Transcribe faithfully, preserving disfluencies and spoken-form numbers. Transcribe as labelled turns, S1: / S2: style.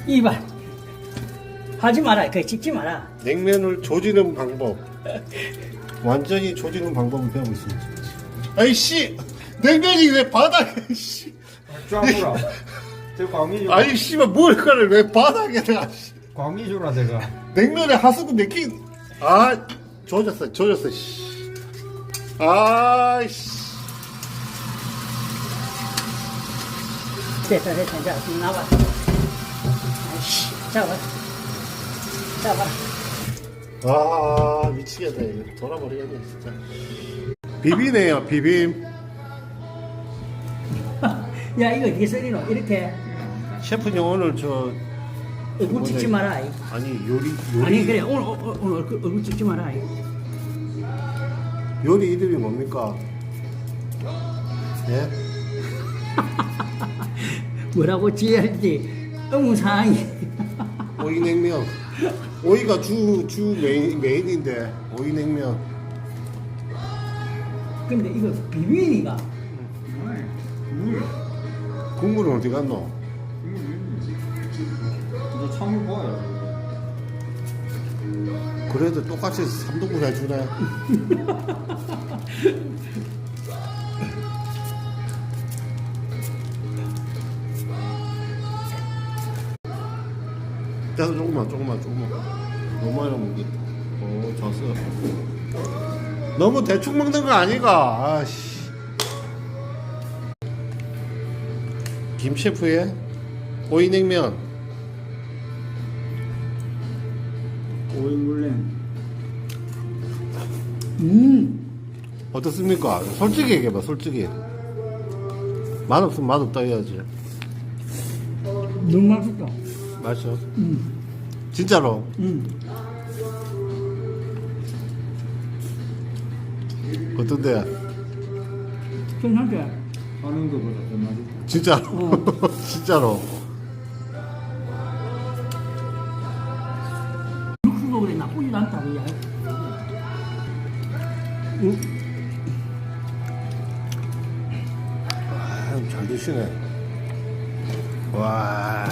S1: 이발 하지 마라. 그 찍지 마라.
S2: 냉면을 조지는 방법. 완전히 조지는 방법을 배우고 있습니다. 아이씨, 냉면이 왜 바닥에? 씨.
S3: 쫙보라. 저 광미주.
S2: 아니 씨발 뭘까를 왜 바닥에 놔? 씨.
S3: 광미주라 제가.
S2: 냉면에 하수구 맥힌. 아, 조졌어, 조졌어. 씨. 아이씨.
S1: 됐다 됐다. 자 지금 나와. 아이씨 잡아. 잡아.
S2: 아, 미치겠다 이거. 돌아버리겠네 진짜. 비비네요, 비빔.
S1: 야 이거 어떻게 썰리노? 이렇게
S2: 셰프님 오늘 저
S1: 얼굴 찍지 마라. 이.
S2: 아니 요리 요리
S1: 아니 그래 오늘 오- 오- 오늘 얼굴, 얼굴 찍지 마라. 이.
S2: 요리 이름이 뭡니까? 예?
S1: 뭐라고 지어야 할지 의무사항이.
S2: 오이 냉면. 오이가 주 주 메인 메인인데 오이 냉면.
S1: 근데 이거 비빔이가
S2: 국물은 어디 갔노?
S3: 너 참을 봐요.
S2: 그래도 똑같이 삼등분 해주네. 그래서 조금만 조금만 조금만 너무 많이 먹기. 오 졌어. 너무 대충 먹는 거 아니가? 아씨. 김 셰프의 오이 냉면.
S3: 오이 물냉.
S1: 음
S2: 어떻습니까? 솔직히 얘기해봐, 솔직히. 맛없으면 맛없다 해야지.
S1: 너무 맛있다.
S2: 맛있어?
S1: 음
S2: 진짜로?
S1: 음.
S2: 어떤데?
S1: 괜찮지?
S3: 하는 거보다 더 맛있다.
S2: 진짜로?
S1: 어.
S2: 진짜로?
S1: 육수도 그래 나쁘지도 않다 그야.
S2: 아, 잘 드시네. 와.